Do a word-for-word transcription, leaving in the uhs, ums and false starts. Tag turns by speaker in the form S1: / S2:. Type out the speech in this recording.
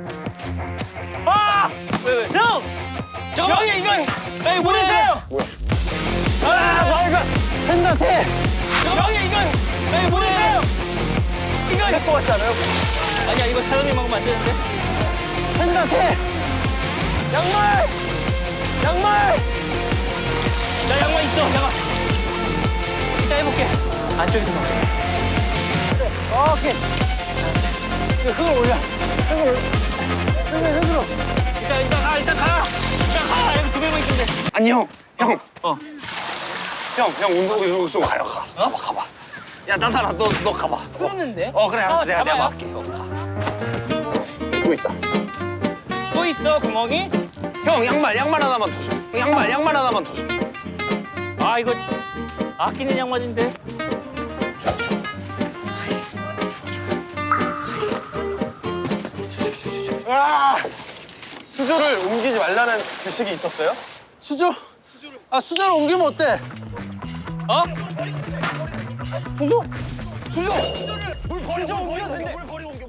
S1: 아! 왜, 왜? 형! 잠깐만! 형이 이건! 에이, 뭐야? 뭐야? 아, 뭐야?
S2: 샌다, 새!
S1: 형이 이건! 에이, 뭐야? 이건! 될것 같지 않아요? 아니야, 이거 사장님 먹으면 안 되는데?
S2: 샌다, 새!
S1: 양말! 양말! 나 양말 있어, 양말. 이따 해볼게. 안쪽에서 먹게.
S2: 오케이. 이거 흙을 올려. 흙을 올려. 흙을, 흙으로.
S1: 이따, 이따 가, 이따 가! 이따 가! 여기 두 명만 있으면 돼.
S3: 아니 형, 형,
S1: 어.
S3: 형, 형 운동기 좀 가요, 가. 가봐, 가봐. 야, 나타나, 너, 너 가봐.
S1: 끊었는데?
S3: 어, 그래, 알았어.
S1: 어,
S3: 내가, 내가
S1: 잡아요.
S3: 막게. 어, 가. 또 있다.
S1: 또 있어, 구멍이?
S3: 형, 양말, 양말 하나만 더 줘. 양말, 양말 하나만 더 줘.
S1: 아, 이거 아끼는 양말인데?
S3: 아! 수조를 옮기지 말라는 규칙이 있었어요?
S2: 수저? 아, 수저를 옮기면 어때?
S1: 어?
S2: 수저?
S3: 수조! 수조를 물 버리고 옮겨야 된대. 물 버리고 옮겨.